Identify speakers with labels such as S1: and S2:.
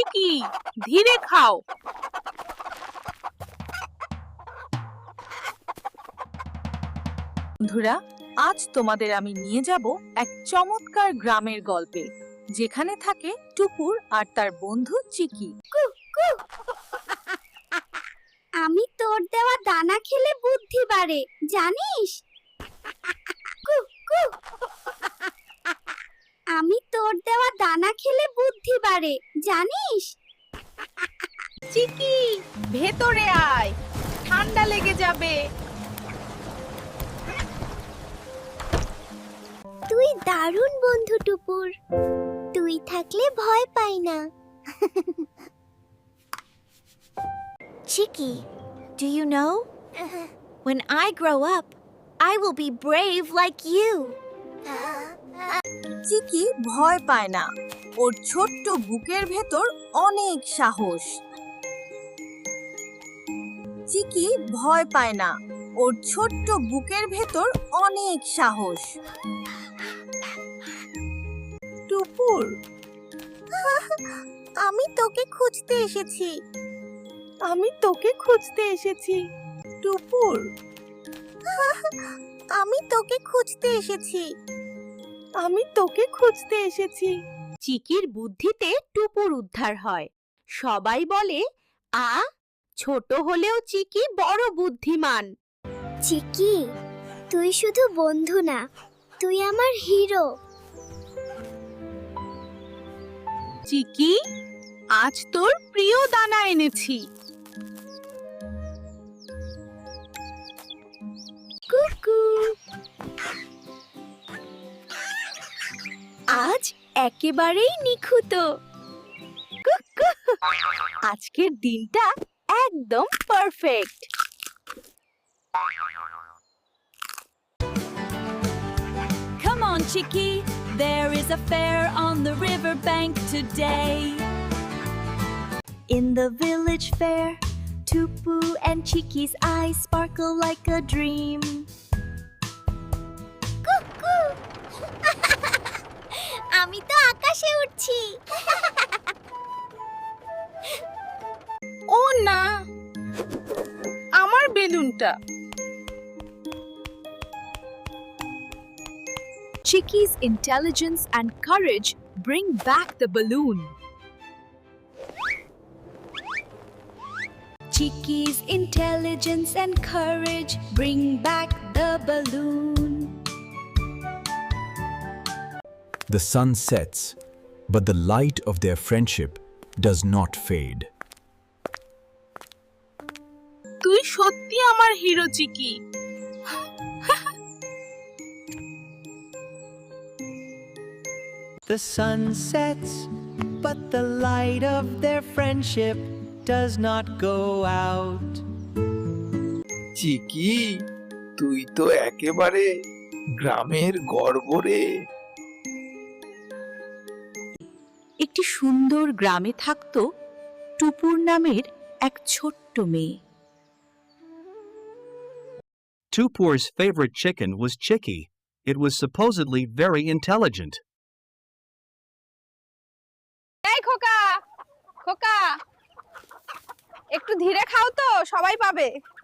S1: চিকি, ধীরে খাও। বন্ধুরা, আজ তোমাদের আমি নিয়ে যাব এক চমৎকার গ্রামের গল্পে, যেখানে থাকে টুপুর আর তার বন্ধু চিকি।
S2: আমি তোর দেওয়া দানা খেলে বুদ্ধি বাড়ে, জানিস? আমি তোর দেওয়া দানা খেলে বুদ্ধি বাড়ে, জানিস?
S1: চিকি, ভেতরে আয়, ঠান্ডা লেগে যাবে।
S2: তুই দারুণ বন্ধু টুপুর, তুই থাকলে ভয় পাই না। Chicky, do you know? When I grow up, I will be brave like you.
S1: চিকি ভয় পায় না, ওর ছোট্ট বুকের ভেতর অনেক সাহস। চিকি ভয় পায় না, ওর ছোট্ট বুকের ভেতর অনেক সাহস। টুপুর, আমি তোকে খুঁজতে এসেছি। আমি তোকে খুঁজতে এসেছি। টুপুর, আমি তোকে খুঁজতে এসেছি। আমি তোকে খুঁজতে এসেছি। চিকির বুদ্ধিতে টুপুর উদ্ধার হয়। সবাই বলে, ছোট হলেও চিকি বড় বুদ্ধিমান।
S2: চিকি, তুই শুধু বন্ধু না, তুই আমার হিরো।
S1: চিকি, আজ তোর প্রিয় দানা এনেছি।
S2: কুকু,
S1: আজ একেবারেই নিখুঁত। আজকের দিনটা একদম perfect.
S3: Come on, Chicky, there is a fair on the riverbank today. In the village fair, Tupu and Chicky's eyes sparkle like a dream.
S2: কুকু, আমি তো আকাশে উড়ছি।
S1: ও না, আমার বেলুনটা। Chicky's intelligence and courage bring back the balloon.
S3: Chicky's intelligence and courage bring back the balloon.
S4: The sun sets, but the light of their friendship does not fade.
S1: তুই সত্যি আমার hero Chicky.
S5: The sun sets, but the light of their friendship does not go out.
S6: Chicky, তুই তো একেবারে গ্রামের গর্ব রে।
S1: একটি সুন্দর গ্রামে থাকতো টুপুর নামের এক ছোট্ট মেয়ে।
S7: Tupur's favorite chicken was Chicky. It was supposedly very intelligent.
S1: এই খোকা, খোকা, একটু ধীরে খাও তো, সবাই পাবে।